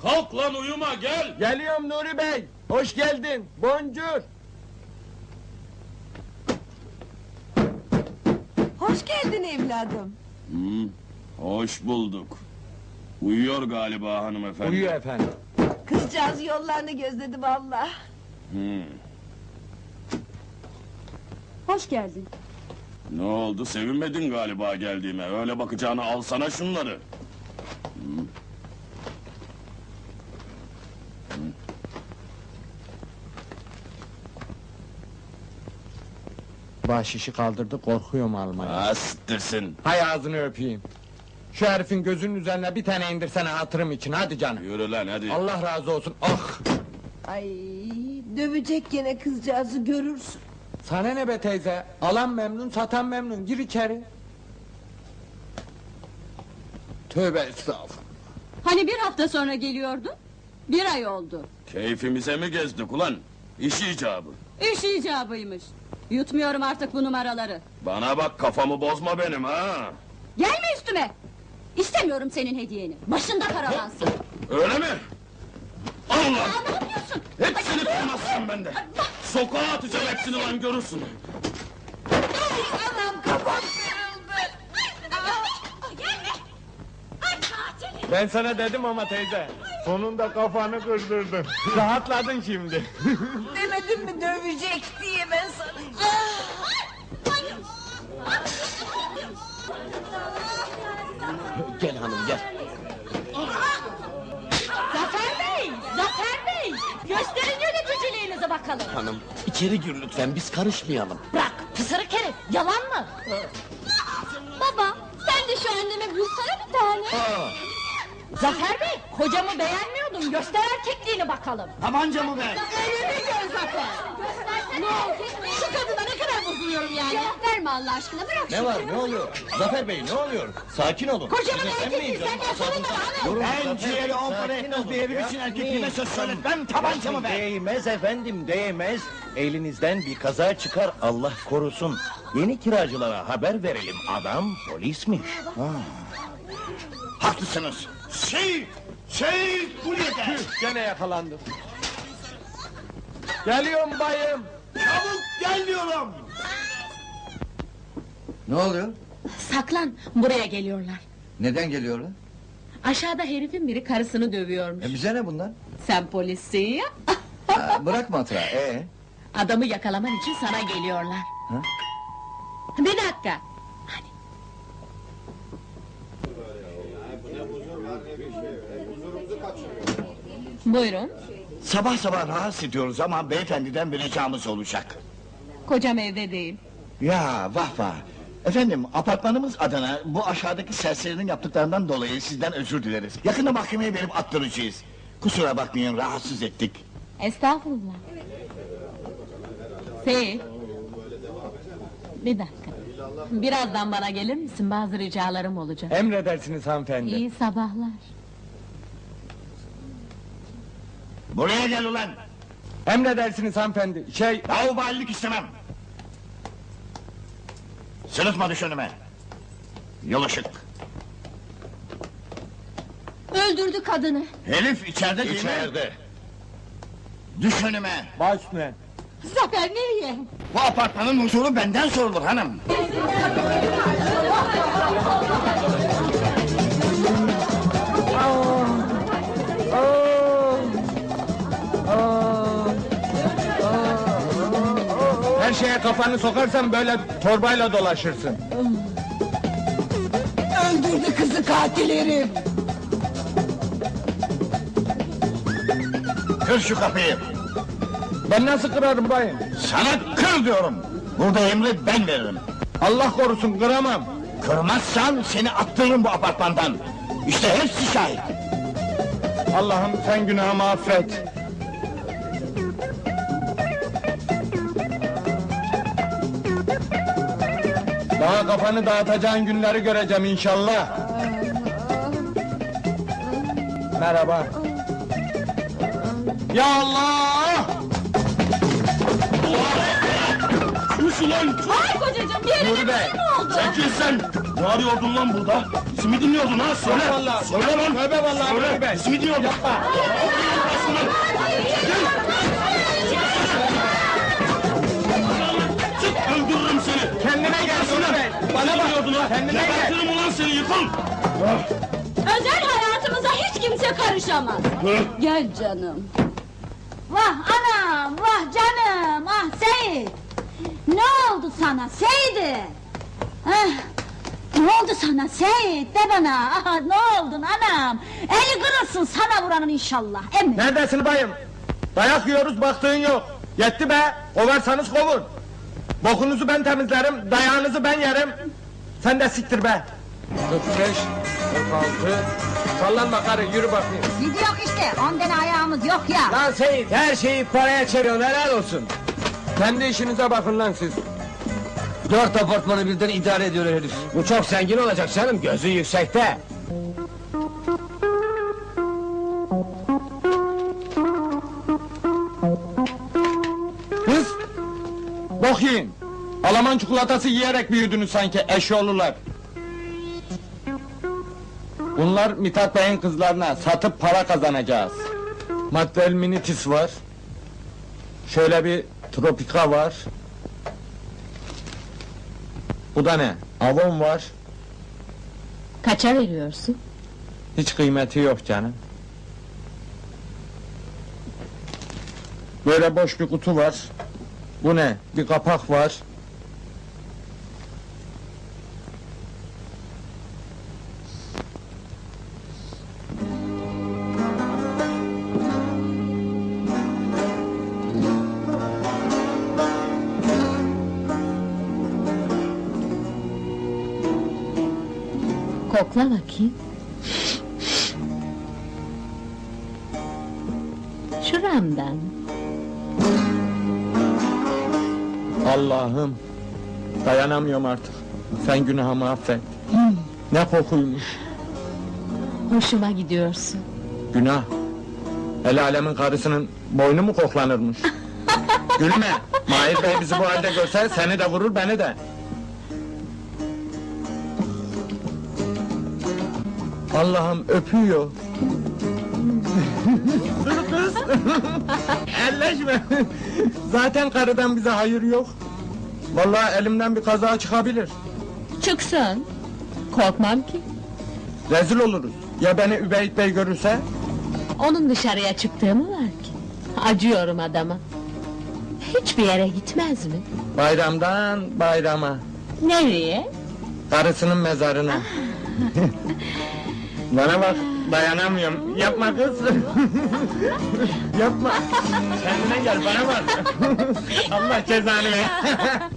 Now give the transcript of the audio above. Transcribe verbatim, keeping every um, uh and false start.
kalk lan uyuma gel. Geliyorum Nuri Bey. Hoş geldin. Boncuk. Hoş geldin evladım. Hmm, hoş bulduk. Uyuyor galiba hanımefendi. Uyuyor efendim. Kızcağız yollarını gözledi vallahi. Hmm, Hoş geldin. ne oldu sevinmedin galiba geldiğime. Öyle bakacağına alsana şunları. Bahşişi kaldırdı, korkuyorum almaya. Astırsın. Hay ağzını öpeyim. Şu herifin gözünün üzerine bir tane indirsene hatırım için, hadi canım. Yürü lan hadi. Allah razı olsun, ah! Ay dövecek gene kızcağızı görürsün. Sana ne be teyze? Alan memnun, satan memnun, gir içeri. Tövbe estağfurullah. Hani bir hafta sonra geliyordun? Bir ay oldu. Keyfimize mi gezdik ulan? İş icabı. İş icabıymış. Yutmuyorum artık bu numaraları. Bana bak kafamı bozma benim ha. Gelme üstüme! İstemiyorum senin hediyeni. Başında karalansın. Öyle mi? Al lan! Aa, ne yapıyorsun? Hepsini kırmazsın bende. Sokağa atacağım hepsini lan görürsün. Anam kafam kırıldı. Gelme! Ay katil! Ben sana dedim ama teyze. Sonunda kafanı kırdırdın. Rahatladın şimdi. Demedim mi dövecek diye ben sana. Gel hanım gel. Zafer Bey! Zafer Bey! Gösterin yöneticiliğinizi bakalım. Hanım, içeri gir lütfen, biz karışmayalım. Bırak pısırık herif! Yalan mı? Baba sen de şu anneme bulsana bir tane. Zafer Bey kocamı beğenmiyordum. Göster erkekliğini bakalım. Tabancamı ver! Elini gör Zafer. Ne oldu? Şu kadına ne kadar bozuluyorum yani. Cevap verme Allah aşkına bırak Ne var, ne oluyor? Zafer Bey, ne oluyor? Sakin olun. Kocamın Sinirlenmeyin erkekliği canım, senden sorun asabınıza- bana hanım. Ben ciğeri on para etmez bir herif için erkekliğime söz söyletmem, tabancamı ver! Değmez efendim, değmez. Elinizden bir kaza çıkar, Allah korusun. Yeni kiracılara haber verelim, adam polismiş. Haklısınız. Şey, şey, kulede! Gene yakalandım. Geliyorum bayım. Çabuk gel diyorum! Ne oluyor? Saklan buraya geliyorlar. Neden geliyorlar? Aşağıda herifin biri karısını dövüyormuş. E bize ne bunlar? Sen polissin ya. Ha, bırak matrağı, ee? Adamı yakalaman için sana geliyorlar. Ha? Bir dakika. Hadi. Buyurun. Sabah sabah rahatsız ediyoruz ama beyefendiden bir ricamız olacak. Kocam evde değil. Ya vah vah! Efendim, apartmanımız adına bu aşağıdaki serserinin yaptıklarından dolayı sizden özür dileriz. Yakında mahkemeye verip attıracağız. Kusura bakmayın, rahatsız ettik. Estağfurullah. Seyit. Bir dakika. Birazdan bana gelir misin? Bazı ricalarım olacak. Emredersiniz hanımefendi. İyi sabahlar. Buraya gel ulan! Emredersiniz hanımefendi. Şey, Laubalilik istemem! Sırıtma düş önüme! Yol ışık! Öldürdü kadını. Herif içeride değil mi? İçeride. Düş önüme! baş üstüne. Zafer nereye? Bu apartmanın huzuru benden sorulur hanım! Her şeye kafanı sokarsan böyle torbayla dolaşırsın. Öldürdü kızı katil herif. Kır şu kapıyı! Ben nasıl kırarım bayım? Sana kır diyorum! Burada emri ben veririm! Allah korusun, kıramam. Kırmazsan seni attırırım bu apartmandan! İşte hepsi şahit! Allah'ım sen günahımı affet. Daha kafanı dağıtacağın günleri göreceğim inşallah. Merhaba. Ya Allah! Sus ulan! Ay kocacığım bir yerine Nuri bir Bey, şey mi oldu? Çekil sen! Ne arıyordun lan burada? Simidin ne oldu lan? Söyle! vallahi. Söyle lan! Tövbe vallahi Söyle! tövbe. Simidin ne oldu? Yapma! Çık öldürürüm seni! Kendine gel Nuri Bey. Bana bak. Kendine gel. Gebertirim ulan seni, yıkıl! Özel hayatımıza hiç kimse karışamaz. Gel canım. Vah anam, vah canım, ah Seyit. Ne oldu sana Seyit'i? Heh, ne oldu sana Seyit, de bana, ah, ne oldun anam? Eli kırılsın sana vuranın inşallah, emin. Neredesin bayım? Dayak yiyoruz baktığın yok. Yetti be. Kovarsanız kovun. Bokunuzu ben temizlerim, dayağınızı ben yerim. Sen de siktir be. kırk beş, kırk altı. Sallanma karı, yürü bakayım. Gidiyor işte, on tane ayağımız yok ya. Lan Seyit, her şeyi paraya çeviriyorsun, helal olsun. Kendi işinize bakın lan siz. Dört apartmanı birden idare ediyor herif. Bu çok zengin olacak canım, gözü yüksekte. Kız! Bok yiyin! Alaman çikolatası yiyerek büyüdünüz sanki, eşyoğlular. Bunlar Mithat Bey'in kızlarına, satıp para kazanacağız. Maddel minitis var. Şöyle bir tropika var. Bu da ne? Avon var. Kaça veriyorsun? Hiç kıymeti yok canım. Böyle boş bir kutu var. Bu ne? Bir kapak var. Kokla bakayım. Şuramdan. Allah'ım! Dayanamıyorum artık. Sen günahımı affet. Ne kokuymuş. Hoşuma gidiyorsun. Günah. El alemin karısının boynu mu koklanırmış? Gülme! Mahir Bey bizi bu halde görse seni de vurur beni de. Allah'ım öpüyor. Dur kız! Elleşme! Zaten karıdan bize hayır yok. Vallahi elimden bir kaza çıkabilir. Çıksın. Korkmam ki. Rezil oluruz. Ya beni Übeyt Bey görürse? Onun dışarıya çıktığı mı var ki? Acıyorum adama. Hiçbir yere gitmez mi? Bayramdan bayrama. Nereye? Karısının mezarına. Bana bak, dayanamıyorum. Yapma kız. Yapma. Kendine gel, bana bak. Allah cezanı ver.